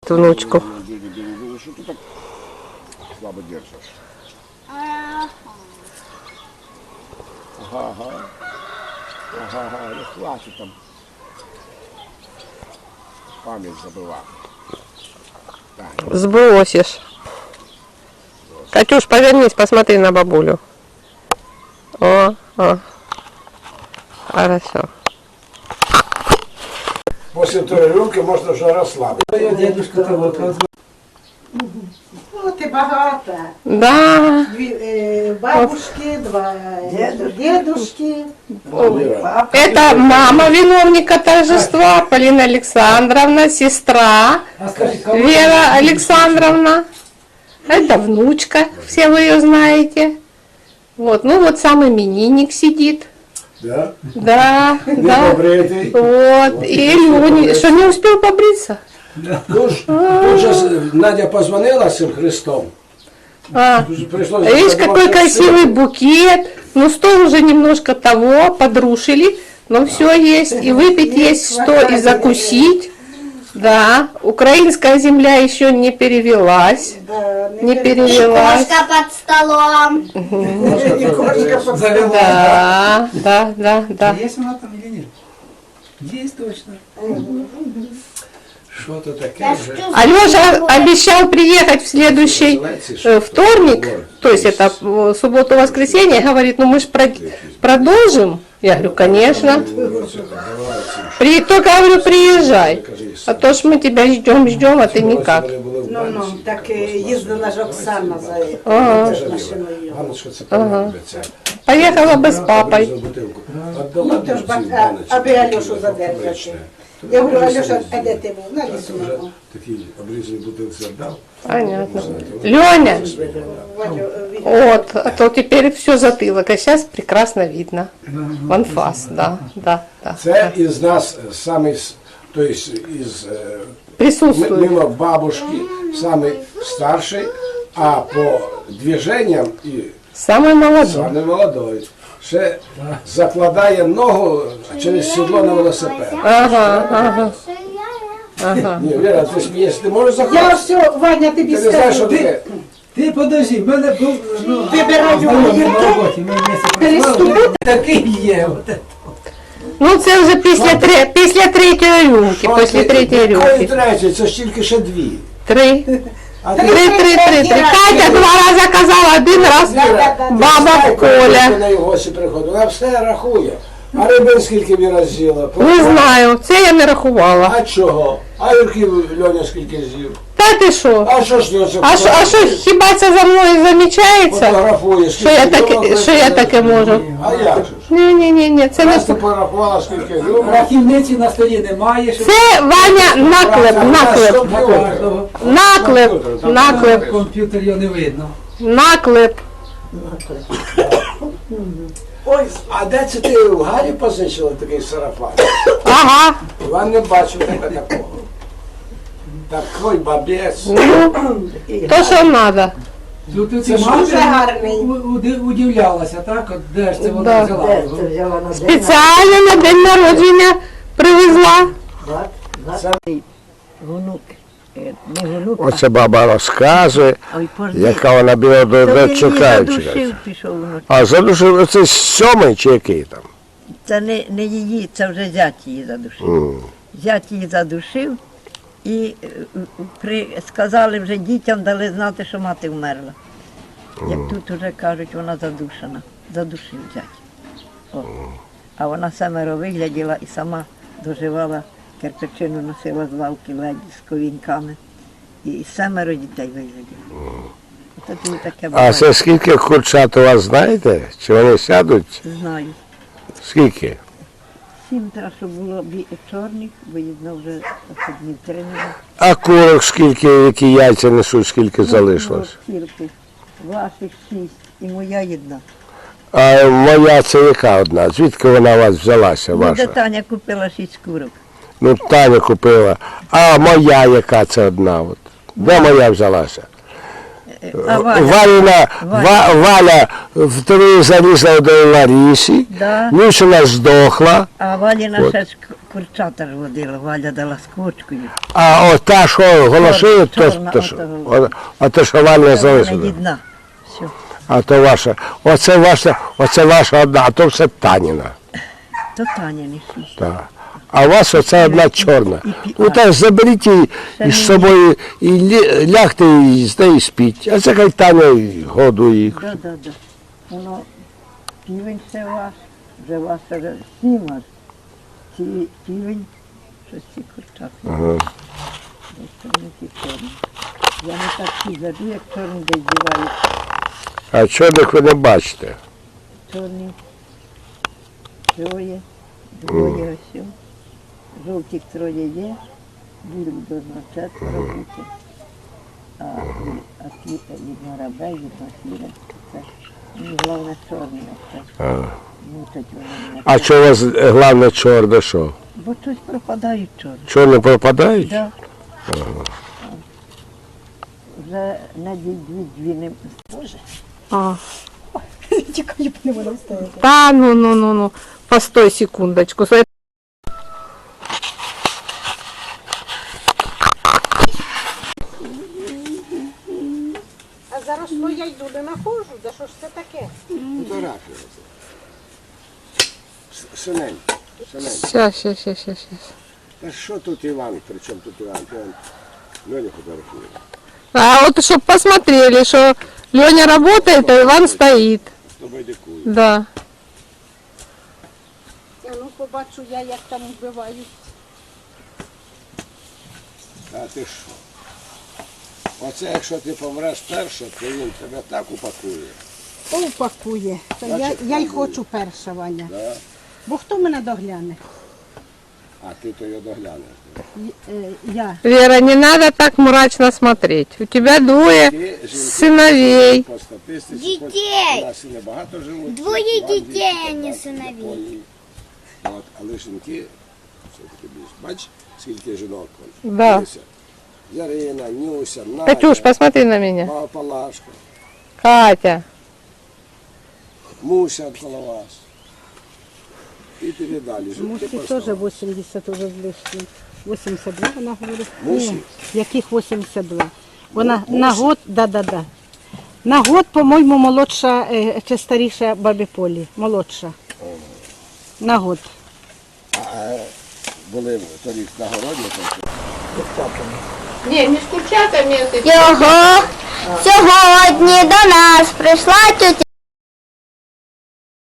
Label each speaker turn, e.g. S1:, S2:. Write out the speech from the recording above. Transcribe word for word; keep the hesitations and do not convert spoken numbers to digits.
S1: Внучку.
S2: Что ты так слабо держишь? Ага, ага. Ага, ага, ну хватит там. Память забыла.
S1: Сбросишь. Катюш, повернись, посмотри на бабулю. О, о. Хорошо.
S2: После той рюмки можно уже расслабиться.
S3: Дедушка того.
S4: Ну, ти багата.
S1: Да.
S4: Дві е, бабушки, два дедушки.
S1: Это мама виновника торжества, Полина Александровна, сестра
S3: А скажи, кого?
S1: Вера Александровна. Это внучка, все вы ее знаете. Вот, ну вот сам именинник сидит.
S2: Да?
S1: Да, да.
S2: Побритый.
S1: Вот, и Леня, что не успел побриться?
S2: Ну, ж, тут же Надя позвонила с им Христом.
S1: А,
S2: Пришлось
S1: видишь,
S2: подавать
S1: какой
S2: всё.
S1: красивый букет. Ну, стол уже немножко того, подрушили, но все есть. И выпить есть что, и закусить. Да, украинская земля еще не перевелась.
S4: Да,
S1: Не перевелась.
S5: Кошка под столом.
S4: І кошка под
S3: Завела.
S1: Да, да, да, да.
S3: Есть она там или нет? Есть точно.
S2: Что-то такое
S5: Я
S2: же.
S5: чувствую,
S1: Алеша обещал приехать в следующий э, вторник, то есть это э, субботу-воскресенье, говорит, ну мы же продолжим. Я говорю, конечно. При, только говорю, приезжай. А то ж мы тебя ждем, ждем, а ты никак.
S4: Ну, ну, так е, їздила ж Оксана за
S1: Ага.
S4: машиною.
S2: Ганочка, це подобається.
S1: Поехала бы с папой.
S2: Отдала
S4: Ну, то ж,
S2: бабці
S4: а-
S2: Ганочці,
S4: аби Альошу
S2: таке
S4: задержати.
S2: обичне.
S4: Я говорю, Альоша, а де ти був? На
S2: Вже
S4: лісу.
S2: такий обрізаний бутилці віддав.
S1: Понятно. Леня,
S4: Валю,
S1: вот, а то теперь все затылок, а сейчас прекрасно видно. Анфас, да, да, да.
S2: Це із нас самий, с- то есть із е,
S1: Присутствует.
S2: мимо бабушки самый старший, а по движениям і
S1: Самый молодой.
S2: самый молодой. Ще закладає ногу через сідло на велосипед.
S1: Ага, ага, ага.
S2: Ні, Віра, ти смієш, ти можеш
S4: Я
S2: заходити?
S4: все, Ваня, тобі
S2: Ти не знаєш, що
S4: скажу.
S2: таке?
S3: Ти подожди, в мене був ну,
S4: Вибираю
S3: знайомий
S4: огірки,
S3: на роботі, ми вместе
S4: переступити.
S3: працювали. Такий є. От.
S1: Ну це вже після, три, після третьої рюмки,
S2: Що
S1: після
S2: ти-
S1: третьої
S2: Якої
S1: рюмки.
S2: третьої? Це ж тільки ще дві.
S1: Три.
S2: А
S1: Три, три, три, три. Катя два рази казала, один раз баба Коля.
S2: На його гості приходить, вона все рахує. А рибин скільки Віра з'їла?
S1: Не знаю, це я не рахувала.
S2: А чого? А Юрки Льоня скільки з'їв?
S1: Та ти що?
S2: А що ж це?
S1: А що, а що, хіба це за мною замічається?
S2: Фотографуєш.
S1: Що я таке, що я таке можу?
S2: А як же ж?
S1: Ні, ні, ні, ні, це не
S2: Раз ти порахувала, скільки гривень.
S3: Рахівниці на столі немає. Щоб...
S1: це Ваня наклеп, наклеп,
S3: На кожного.
S1: наклеп, наклеп,
S3: Комп'ютер його не видно.
S1: наклеп.
S2: Ой, а де це ти в Гарі позичила такий сарафан?
S1: Ага.
S2: Іван не бачив тебе такого. Такий бабець.
S1: Ну, то, що треба.
S3: Тут
S2: Це
S3: ти
S2: ж
S3: мати
S4: дуже гарний.
S3: у- уди- удивлялася, так? От де ж це
S1: Да.
S3: вона взяла його?
S1: Спеціально на день народження привезла.
S6: Внук, е, не внук,
S7: Оце баба розказує,
S6: а ой, пожди.
S7: яка вона біла до
S6: То
S7: де
S6: він
S7: чекає.
S6: її
S7: чекає.
S6: задушив, пішов внук.
S7: А задушив це сьомий чи який там?
S6: Це не, не її, це вже зять її задушив.
S7: М.
S6: Зять її задушив і е, при, сказали вже дітям, дали знати, що мати вмерла. Як тут вже кажуть, вона задушена. Задушив зять. О. А вона семеро вигляділа і сама доживала, кирпичину носила з лавки ледь з ковіньками. І семеро дітей вигляділо. Оце тобі таке
S7: А
S6: буває.
S7: це скільки курчат у вас знаєте? Чи вони сядуть?
S6: Знаю.
S7: Скільки?
S6: Сім треба, щоб було бі- чорних, бо їдно вже днів три не було.
S7: А курок скільки, які яйця несуть, скільки залишилось?
S6: Ну, тільки ваших шість і моя єдна.
S7: А моя це яка одна? Звідки вона у вас взялася,
S6: Ну, де
S7: ваша?
S6: Таня купила шість курок.
S7: Ну, Таня купила. А моя яка це одна? От. Де моя взялася?
S6: А Валя?
S7: Валіна,
S6: Валя.
S7: Ва- Валя вторую залізла до Ларісі,
S6: Да.
S7: Мішина здохла,
S6: А Валіна
S7: От.
S6: ще ж к- курчата ж водила, Валя дала з курочкою.
S7: а от та, що голосує, то,
S6: чорна,
S7: то, що-
S6: ото.
S7: о- а то, що Валя
S6: Це вона
S7: залишила.
S6: єдна. Все.
S7: А то ваша. Оце ваша, оце ваша одна, а то все Таніна.
S6: То Таня не шість.
S7: Так. А у вас оце одна чорна.
S6: пі-
S7: Ну так заберіть її із собою і лі- лягте і з нею спіть. А це хай Таня й годує їх.
S6: Да, да, да. Воно півень це ваш, вже ваше вже сім аж. Ці півень, щось ці курчата.
S7: Ага.
S6: Десь там не ті чорні. Я не так ті веду, як чорні десь дівають.
S7: А чорних ви не бачите.
S6: Чорні. Троє, двоє ось. Жовтих троє є, білих должно четверо бути. А, а ті від рабе, від сіре, це ну, головне чорні. Оце. Мучать вони мене.
S7: А що у вас е, головне чорне що?
S6: Бо щось пропадають чорні.
S7: Чорне пропадають?
S6: Да. Вже на дві дві не Боже.
S1: А.
S4: Тікаю, не вона встає.
S1: Да, ну, ну, ну, ну. Постой секундочку. Стой.
S4: А зараз ну я йду, не находжу, за що ж це таке?
S2: Фотографія. Синенько, синенько.
S1: Сейчас, сейчас, сейчас, сейчас.
S2: Та що тут Іван? При чому тут Іван? Іван Льоня фотографує.
S1: А вот чтобы посмотрели, что Леня работает, а Иван стоит.
S2: З тобою дикую.
S1: Да.
S4: Я ну побачу я, як там вбивають.
S2: А ти що? Оце якщо ти помреш перше, то він тебе так упакує.
S4: Упакує. Та я, я й хочу перша, Ваня.
S2: Да?
S4: Бо хто мене догляне?
S2: А ти то його доглянеш.
S4: Й- е, Я.
S1: Вера, не надо так мрачно смотреть. У тебя двое
S2: Ті жінки,
S1: синовей.
S2: по статистиці,
S5: Дітей.
S2: хоч у нас і небагато живуть.
S5: Двоє
S2: Ірландії,
S5: дітей, а не
S2: Канаді,
S5: синовей.
S2: Японії. От, але жінки все-таки більше. Бач, скільки жінок? вон?
S1: Да.
S2: Дивися. Ярина, Нюся, Надя,
S1: Катюш, посмотри на меня.
S2: Баба Палашка,
S1: Катя.
S2: Муся коло вас. І піде далі. Жінки
S4: Мусі
S2: поставили.
S4: теж вісімдесят уже з лишнім. вісімдесят два вона говорить.
S2: Мусі?
S4: Ні, яких вісімдесят два? Вона на год, да-да-да. На год, по-моєму, молодша е, чи старіша бабі Полі. Молодша. На год.
S2: А були торік на городі, то
S1: Не, не с курчатами.
S5: Його сьогодні до нас прийшла тетя